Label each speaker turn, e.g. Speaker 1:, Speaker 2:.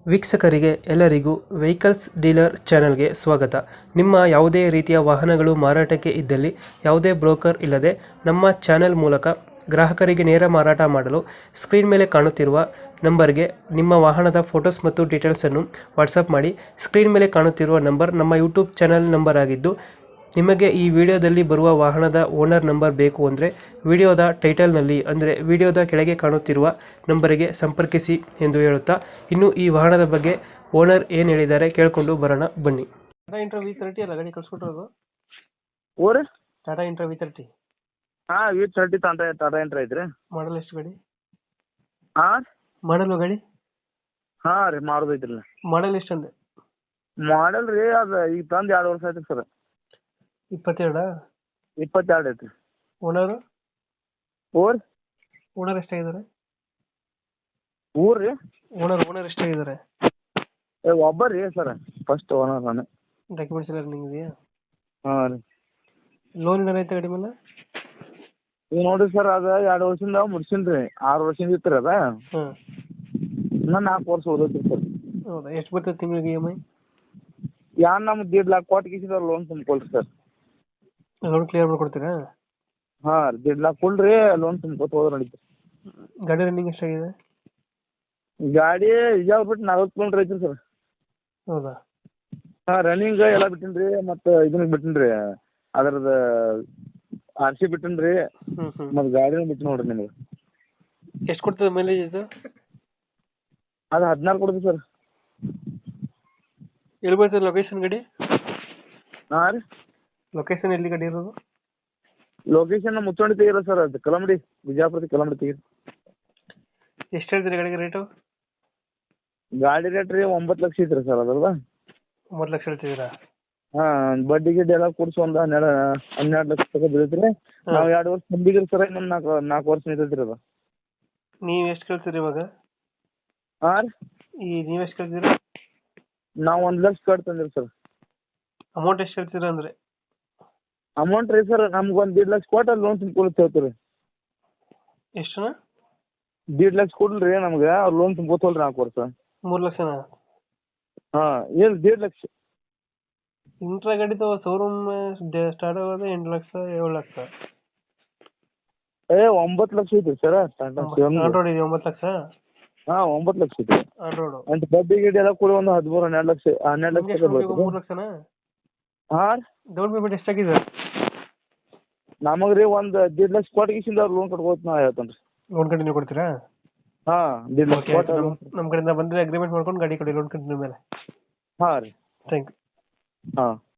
Speaker 1: ವೀಕ್ಷಕರಿಗೆ ಎಲ್ಲರಿಗೂ vehicles dealer ಚಾನೆಲ್ಗೆ ಸ್ವಾಗತ. ನಿಮ್ಮ ಯಾವುದೇ ರೀತಿಯ ವಾಹನಗಳು ಮಾರಾಟಕ್ಕೆ ಇದ್ದಲ್ಲಿ ಯಾವುದೇ ಬ್ರೋಕರ್ ಇಲ್ಲದೆ ನಮ್ಮ ಚಾನೆಲ್ ಮೂಲಕ ಗ್ರಾಹಕರಿಗೆ ನೇರ ಮಾರಾಟ ಮಾಡಲು ಸ್ಕ್ರೀನ್ ಮೇಲೆ ಕಾಣುತ್ತಿರುವ ನಂಬರ್ಗೆ ನಿಮ್ಮ ವಾಹನದ ಫೋಟೋಸ್ ಮತ್ತು ಡೀಟೇಲ್ಸನ್ನು ವಾಟ್ಸಪ್ ಮಾಡಿ. ಸ್ಕ್ರೀನ್ ಮೇಲೆ ಕಾಣುತ್ತಿರುವ ನಂಬರ್ ನಮ್ಮ ಯೂಟ್ಯೂಬ್ ಚಾನೆಲ್ ನಂಬರ್ ಆಗಿದ್ದು, ನಿಮಗೆ ಈ ವಿಡಿಯೋದಲ್ಲಿ ಬರುವ ವಾಹನದ ಓನರ್ ನಂಬರ್ ಬೇಕು ಅಂದರೆ ವಿಡಿಯೋದ ಟೈಟಲ್ನಲ್ಲಿ ಅಂದರೆ ವಿಡಿಯೋದ ಕೆಳಗೆ ಕಾಣುತ್ತಿರುವ ನಂಬರಿಗೆ ಸಂಪರ್ಕಿಸಿ ಎಂದು ಹೇಳುತ್ತಾ, ಇನ್ನು ಈ ವಾಹನದ ಬಗ್ಗೆ ಓನರ್ ಏನು ಹೇಳಿದ್ದಾರೆ ಕೇಳಿಕೊಂಡು ಬರೋಣ ಬನ್ನಿ. ಟಾಟಾ ಇಂಟ್ರಾ V30 ಅಲ್ಲ ಗಾಡಿ ಕಳ್ಸ್ಕೊಟ್ಟಿರೋದು?
Speaker 2: ಓರಿ
Speaker 1: ಟಾಟಾ ಇಂಟ್ರಾ V30
Speaker 2: ಹಾಂ V30 ಟಾಟಾ ಇಂಟ್ರಾ ಐತ್ರಿ.
Speaker 1: ಮಾಡಲ್ ಎಷ್ಟು ಗಾಡಿ?
Speaker 2: ಹಾಂ
Speaker 1: ಮಾಡಲು ಗಾಡಿ
Speaker 2: ಹಾಂ ರೀ ಮಾಡೋದೈತ್ರಿ.
Speaker 1: ಮಾಡಲ್ ಎಷ್ಟು ಅಂದೆ?
Speaker 2: ಮಾಡಲ್ ರೀ ಅದು ಈಗ ತಂದು 2 ವರ್ಷ ಆಯ್ತು ಸರ್.
Speaker 1: 22?
Speaker 2: 22 ಐತ್ರಿ.
Speaker 1: ಓನರು?
Speaker 2: ಓರಿ
Speaker 1: ಓನರ್ ಎಷ್ಟಾಗಿದ್ದಾರೆ?
Speaker 2: ಊರು ರೀ
Speaker 1: ಓನರ್ ಎಷ್ಟಾಗಿದ್ದಾರೆ?
Speaker 2: ಒಬ್ಬ ರೀ ಸರ್, ಫಸ್ಟ್ ಓನರ್ ನಾನು.
Speaker 1: ಡಾಕ್ಯುಮೆಂಟ್ಸ್ ಎಲ್ಲ ರನ್ನಿಂಗ್ ಇದೆಯಾ?
Speaker 2: ಹಾಂ ರೀ.
Speaker 1: ಲೋನ್ ಏನಾರ ಗಾಡಿ ಮೇಲೆ?
Speaker 2: ಈಗ ನೋಡಿರಿ ಸರ್, ಅದು 2 ವರ್ಷದಿಂದ ಮುಡ್ಸಿನಿ ರೀ. 6 ವರ್ಷದಿಂದ ಇತ್ತು ರೀ ಅದ.
Speaker 1: ಹಾಂ.
Speaker 2: ಇನ್ನೂ 4 ವರ್ಷ ಓದೈತ್ರಿ ಸರ್.
Speaker 1: ಹೌದಾ? ಎಷ್ಟು ಬರ್ತದೆ ತಿಂಗಳಿಗೆ EMI?
Speaker 2: ನಮ್ಗೆ 1.5 ಲಕ್ಷ ಕೊಟ್ಟು ಕಿಸಿದವ್ರು ಲೋನ್ ತುಂಬ್ಕೊಳ್ರಿ ಸರ್.
Speaker 1: ಲೋನ್ ಕ್ಲಿಯರ್ ಮಾಡ್ಕೊಡ್ತೀರಾ?
Speaker 2: ಹಾಂ ರೀ, 1.5 ಲಕ್ಷ ಫುಲ್ ರೀ ಲೋನ್ ತುಂಬ್ಕೊತ ಹೋದ್ರೆ ನಡೀತು.
Speaker 1: ಗಾಡಿ ರನ್ನಿಂಗ್ ಎಷ್ಟಾಗಿದೆ?
Speaker 2: ಗಾಡಿ ಇಜಾವ್ ಬಿಟ್ಟು 40 ಕಿಲೋಮೀಟ್ರ್ ಐತ್ರಿ ಸರ್.
Speaker 1: ಹೌದಾ?
Speaker 2: ಹಾಂ, ರನ್ನಿಂಗ್ ಎಲ್ಲ ಬಿಟ್ಟಿನಿ ರೀ, ಮತ್ತು ಇದನ್ನ ಬಿಟ್ಟಿನಿ ರೀ, ಅದ್ರದ್ದು RC ಬಿಟ್ಟಿನಿ ರೀ, ಮತ್ತು ಗಾಡಿನೂ ಬಿಟ್ಟು ನೋಡಿರಿ ನಿಮಗೆ.
Speaker 1: ಎಷ್ಟು ಕೊಡ್ತದೆ ಮೈಲೇಜ್ ಇದು?
Speaker 2: ಅದು 14 ಕೊಡ್ತೀವಿ ಸರ್.
Speaker 1: ಎಲ್ಲಿ ಬರ್ತದೆ ಲೊಕೇಶನ್ ಗಾಡಿ?
Speaker 2: ಹಾಂ ರೀ,
Speaker 1: ಲೊಕೇಶನ್ ಎಲ್ಲಿ ಗಾಡಿ ಇರೋದು?
Speaker 2: ಲೊಕೇಶನ್ ಮುಚ್ಚೋಣಿ ತೆಗೀರ ಸರ್, ಅದು ಕಲಮಡಿ, ಬಿಜಾಪುರದ ಕಲಮಡಿ ತೆಗೀರಿ.
Speaker 1: ಎಷ್ಟು ಹೇಳ್ತೀರಿ ಗಾಡಿಗೆ ರೇಟು?
Speaker 2: ಗಾಡಿ ರೇಟ್ ರೀ 9 ಲಕ್ಷ ಐತ್ರಿ ಸರ್ ಅದ್ರದ.
Speaker 1: 9 ಲಕ್ಷ ಹೇಳ್ತಿದ್ದೀರಾ?
Speaker 2: ಹಾಂ, ಬಡ್ಡಿ ಗಿಡ್ಡಿ ಎಲ್ಲ ಕೂಡಿಸಿ ಒಂದು 12 ಲಕ್ಷ ತನಕ ಬೀಳ್ತೀರಿ. ನಾವು 2 ವರ್ಷ ತುಂಬಿದ್ರಿ ಸರ್, ಇನ್ನೊಂದು 4 ವರ್ಷ ನಿಂತೈತ್ರಿ ಅದು.
Speaker 1: ನೀವು ಎಷ್ಟು ಕೇಳ್ತೀರಿ ಇವಾಗ?
Speaker 2: ಹಾಂ ರೀ,
Speaker 1: ನೀವು ಎಷ್ಟು ಕೇಳ್ತೀರಾ?
Speaker 2: ನಾವು 1 ಲಕ್ಷ ಕಟ್ ತಂದಿರಿ ಸರ್.
Speaker 1: ಅಮೌಂಟ್ ಎಷ್ಟು ಹೇಳ್ತೀರಾ ಅಂದರೆ?
Speaker 2: ಅಮೌಂಟ್ ರೀ ಸರ್, ನಮ್ಗೆ ಒಂದು 1.5 ಲಕ್ಷ ಕೊಟ್ಟು ಲೋನ್ ತುಂಬ್ಕೊಳಕ್ಕೆ ಹೇಳ್ತೀರಿ.
Speaker 1: ಎಷ್ಟು?
Speaker 2: 1.5 ಲಕ್ಷ ಕೊಡ್ಲಿ ರೀ ನಮ್ಗೆ, ಅವ್ರು ಲೋನ್ ತುಂಬ್ಕೋತಲ್ರಿ 4 ವರ್ಷ.
Speaker 1: 3 ಲಕ್ಷನಾ?
Speaker 2: ಹಾಂ, ಏನು 1.5 ಲಕ್ಷ?
Speaker 1: ಇಂಟ್ರಾ ಗಾಡಿದು ಶೋರೂಮ್ ಸ್ಟಾರ್ಟ್ ಆಗೋದು 8 ಲಕ್ಷ 7 ಲಕ್ಷ.
Speaker 2: 9 ಲಕ್ಷ ಐತ್ರಿ sir Tata Shivam.
Speaker 1: On road ಇದೆ 9 ಲಕ್ಷ?
Speaker 2: ಹಾಂ, 9 ಲಕ್ಷ ಐತ್ರಿ
Speaker 1: ಆನ್ ರೋಡು.
Speaker 2: ಅಂತ ಬಡ್ಡಿ ಗಿಡ್ಡಿ ಎಲ್ಲ ಕೂಡ ಒಂದು 12 ಲಕ್ಷ 12 ಲಕ್ಷ ತನಕ ಬರ್ತದೆ.
Speaker 1: 3 ಲಕ್ಷನಾ?
Speaker 2: ಹಾಂ ರೀ.
Speaker 1: ಡೌನ್ ಪೇಮೆಂಟ್ ಎಷ್ಟಾಗಿದೆ?
Speaker 2: ನಮಗೆ ರೀ ಒಂದು 1.5 ಲಕ್ಷ ಕೊಟ್ಟು ಕಿಸಿಂದ ಅವ್ರು ಲೋನ್ ಕಟ್ಕೋತ ನಾ ಹೇಳ್ತೇನೆ ರೀ.
Speaker 1: ಲೋನ್ ಕಂಟಿನ್ಯೂ ಕೊಡ್ತೀರಾ?
Speaker 2: ಹಾಂ, 1.5 ಲಕ್ಷ ಕೊಟ್ಟು.
Speaker 1: ನಮ್ಮ ಕಡೆಯಿಂದ ಬಂದರೆ ಅಗ್ರಿಮೆಂಟ್ ಮಾಡ್ಕೊಂಡು ಗಾಡಿ ಕೊಡಿ ಲೋನ್ ಕಂಟಿನ್ಯೂ ಮೇಲೆ.
Speaker 2: ಹಾಂ ರೀ.
Speaker 1: Thank you.
Speaker 2: ಹಾಂ.